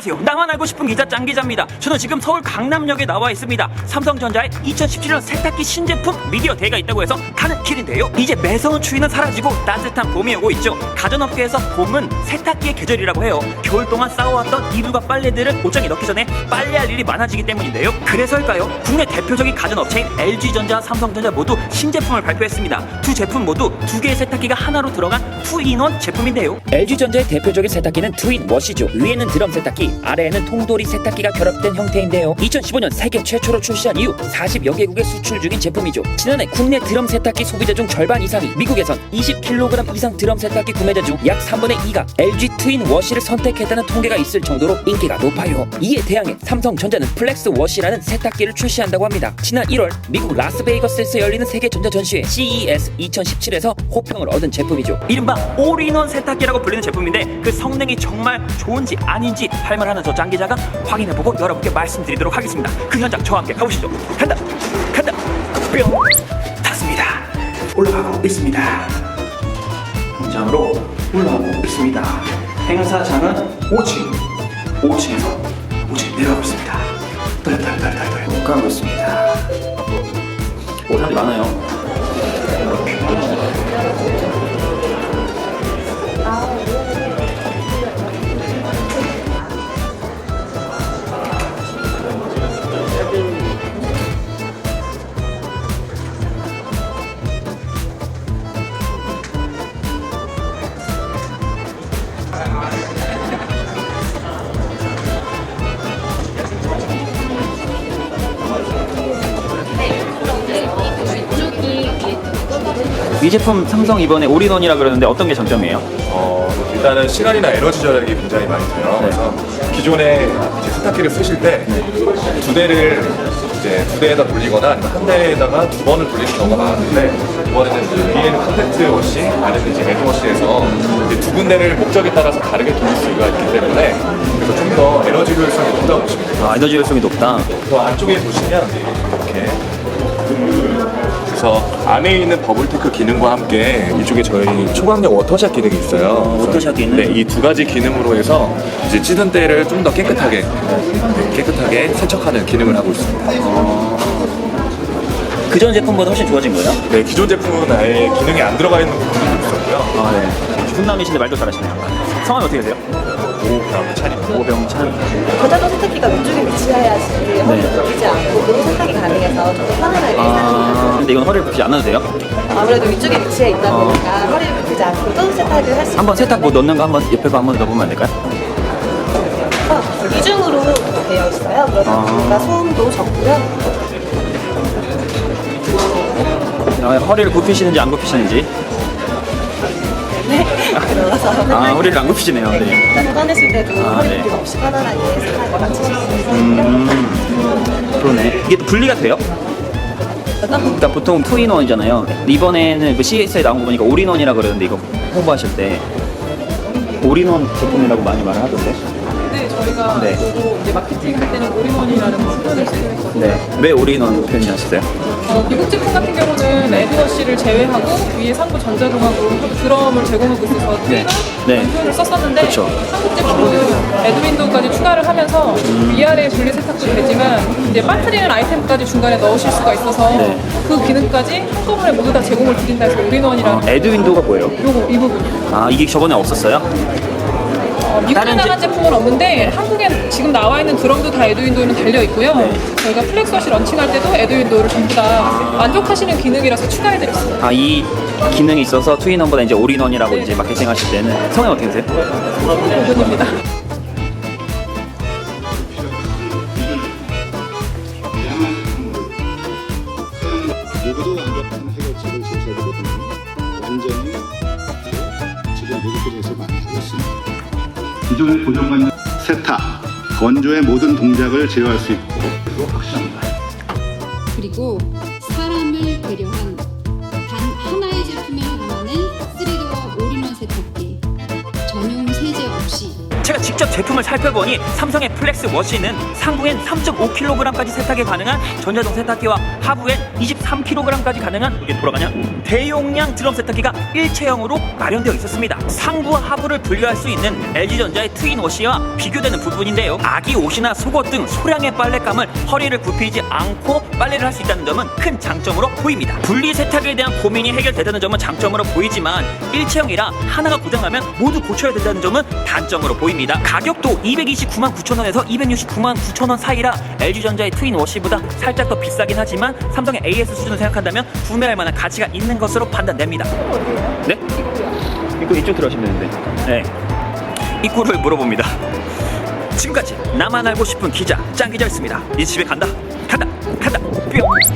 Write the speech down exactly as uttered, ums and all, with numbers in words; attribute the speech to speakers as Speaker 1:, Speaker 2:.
Speaker 1: 안녕하세요. 나만 알고 싶은 기자 짱 기자입니다. 저는 지금 서울 강남역에 나와 있습니다. 삼성전자의 이천십칠 년 세탁기 신제품 미디어 데이가 있다고 해서 가는 길인데요. 이제 매서운 추위는 사라지고 따뜻한 봄이 오고 있죠. 가전업계에서 봄은 세탁기의 계절이라고 해요. 겨울 동안 쌓아왔던 이불과 빨래들을 옷장에 넣기 전에 빨래할 일이 많아지기 때문인데요. 그래서일까요? 국내 대표적인 가전업체인 엘지전자, 삼성전자 모두 신제품을 발표했습니다. 두 제품 모두 두 개의 세탁기가 하나로 들어간 투인원 제품인데요.
Speaker 2: 엘지전자의 대표적인 세탁기는 투인 워시죠. 위에는 드럼 세탁기, 아래에는 통돌이 세탁기가 결합된 형태인데요. 이천십오 년 세계 최초로 출시한 이후 사십여 개국에 수출 중인 제품이죠. 지난해 국내 드럼 세탁기 소비자 중 절반 이상이 미국에선 이십 킬로그램 이상 드럼 세탁기 구매자 중 약 삼분의 이가 엘지 트윈 워시를 선택했다는 통계가 있을 정도로 인기가 높아요. 이에 대항해 삼성전자는 플렉스 워시라는 세탁기를 출시한다고 합니다. 지난 일월 미국 라스베이거스에서 열리는 세계 전자 전시회 씨이에스 이천십칠에서 호평을 얻은 제품이죠.
Speaker 1: 이른바 올인원 세탁기라고 불리는 제품인데 그 성능이 정말 좋은지 아닌지 할말하는 저 짱 기자가 확인해보고 여러분께 말씀드리도록 하겠습니다. 그 현장 저와 함께 가보시죠. 간다 간다 뿅 탔습니다. 올라가고 있습니다. 현장으로 올라가고 있습니다. 행사장은 오 층 오 층에서 오 층 내려가고 있습니다. 떨떨떨떨떨 가고 있습니다. 오, 사람들이 많아요. 이 제품 삼성 이번에 올인원이라 그러는데 어떤 게 장점이에요?
Speaker 3: 어, 일단은 시간이나 에너지 절약이 굉장히 많이 돼요.
Speaker 1: 네.
Speaker 3: 그래서 기존에 이제 세탁기를 쓰실 때 두 대를 이제 두 대에다 돌리거나 아니면 한 대에다가 두 번을 돌리는 경우가 많았는데 이번에는 이제 위에는 컴팩트 워시, 아래는 이제 헤드 워시에서 이제 두 군데를 목적에 따라서 다르게 돌릴 수가 있기 때문에 그래서 좀 더 에너지 효율성이 높다고 보시면 돼요.
Speaker 1: 아, 에너지 효율성이 높다.
Speaker 3: 그 안쪽에 보시면 이렇게 그래서 안에 있는 버블테크 기능과 함께 이쪽에 저희 초강력 워터샷 기능이 있어요.
Speaker 1: 어, 워터샷 기능?
Speaker 3: 네, 이 두 가지 기능으로 해서 이제 찌든 때를 좀 더 깨끗하게 깨끗하게 세척하는 기능을 하고 있습니다.
Speaker 1: 그전 제품보다 훨씬 좋아진 거예요?
Speaker 3: 네, 기존 제품은 아예 기능이 안 들어가 있는 부분도 있었고요.
Speaker 1: 아, 네. 훈남이신데 말도 잘하시네요. 성함이 어떻게 되세요?
Speaker 3: 오병찬입니다.
Speaker 1: 오병찬.
Speaker 4: 저자도 세탁기가 왼쪽에 위치해야지 허리를 굽히지 않고 그런 세탁이 가능해서 좀 더 편안하게
Speaker 1: 아,
Speaker 4: 사용해요.
Speaker 1: 근데 이건 허리를 굽히지 않아도 돼요?
Speaker 4: 아무래도 위쪽에 위치해 있다 보니까 허리를 굽히지 않고도 세탁을 할 수 있어요.
Speaker 1: 한번 세탁 뭐 넣는 거 한번 옆에 거 한번 넣어보면 안 될까요?
Speaker 4: 이중으로 되어 있어요. 그러다
Speaker 1: 아.
Speaker 4: 보니까 소음도 적고요.
Speaker 1: 아, 허리를 굽히시는지 안 굽히시는지.
Speaker 4: 네. 들어가서
Speaker 1: 아, 허리를 안 굽히시네요. 네.
Speaker 4: 꺼냈을 때도
Speaker 1: 아,
Speaker 4: 허리
Speaker 1: 네.
Speaker 4: 굽힘 없이 편안하게 세탁을 마칠 수 있어요.
Speaker 1: 음, 그러네. 이게 또 분리가 돼요? 그러니까 보통 투인원이잖아요. 이번에는 그 씨이에스에 나온 거 보니까 올인원이라 그러는데 이거 홍보하실 때 올인원 제품이라고 많이 말을 하던데.
Speaker 5: 네, 저희가
Speaker 1: 네.
Speaker 5: 저도 이제 마케팅 할 때는 올인원이라는 표현을 쓰기로 했거든요.
Speaker 1: 네. 왜 올인원 표현하셨어요?
Speaker 5: 어, 미국 제품 같은 경우는 에드워시를 제외하고 위에 상부 전자동하고 드럼을 제공하고 있어서
Speaker 1: 네.
Speaker 5: 트윈원
Speaker 1: 네.
Speaker 5: 표현을 썼었는데
Speaker 1: 그쵸.
Speaker 5: 한국 제품은 에드윈도우까지 추가를 하면서 위아래 분리 세탁도 되지만 이제 빠뜨리는 아이템까지 중간에 넣으실 수가 있어서
Speaker 1: 네.
Speaker 5: 그 기능까지 한꺼번에 모두 다 제공을 드린다 해서 올인원이라는
Speaker 1: 어, 에드윈도우가 뭐예요?
Speaker 5: 요거 이 부분이요.
Speaker 1: 아, 이게 저번에 없었어요?
Speaker 5: 어, 미국에
Speaker 1: 다른
Speaker 5: 나간
Speaker 1: 제-
Speaker 5: 제품은 없는데 한국에 지금 나와 있는 드럼도 다 에드윈도우는 달려 있고요.
Speaker 1: 네.
Speaker 5: 저희가 플렉스워시 런칭할 때도 에드윈도우를 전부 다 만족하시는 기능이라서 추가해드렸어요.
Speaker 1: 아, 이 기능이 있어서 투인원보다 이제 올인원이라고
Speaker 5: 네.
Speaker 1: 이제 마케팅 하실 때는 성함이 어떻게 되세요?
Speaker 5: 부분입니다.
Speaker 6: 누구도 완벽한 해결책을 제시하기보다는 완전히 지금 미국에서 많이 하고 있습니다. 기존에 고정관념 세탁, 건조의 모든 동작을 제어할 수 있고 확실합니다.
Speaker 7: 그리고 사람을 배려한 단 하나의 제품에 담아낸 쓰리도어 올인원 세탁기 전용 세제 없이
Speaker 1: 제가 직접 제품을 살펴보니 삼성의 플렉스 워시는 상부엔 삼 점 오 킬로그램까지 세탁이 가능한 전자동 세탁기와 하부엔 이십삼 킬로그램까지 가능한, 이게 돌아가냐? 대용량 드럼 세탁기가 일체형으로 마련되어 있었습니다. 상부와 하부를 분리할 수 있는 엘지전자의 트윈 워시와 비교되는 부분인데요. 아기 옷이나 속옷 등 소량의 빨랫감을 허리를 굽히지 않고 빨래를 할 수 있다는 점은 큰 장점으로 보입니다. 분리 세탁에 대한 고민이 해결되다는 점은 장점으로 보이지만 일체형이라 하나가 고장나면 모두 고쳐야 된다는 점은 단점으로 보입니다. 가격도 이백이십구만 구천 원에서 이백육십구만 구천 원 사이라 엘지전자의 트윈 워시보다 살짝 더 비싸긴 하지만 삼성의 에이에스 수준을 생각한다면 구매할 만한 가치가 있는 것으로 판단됩니다. 네? 입구 이쪽 들어가시면 되는데. 네. 입구를 물어봅니다. 지금까지 나만 알고 싶은 기자 짱 기자였습니다. 이제 집에 간다 간다 간다 뿅.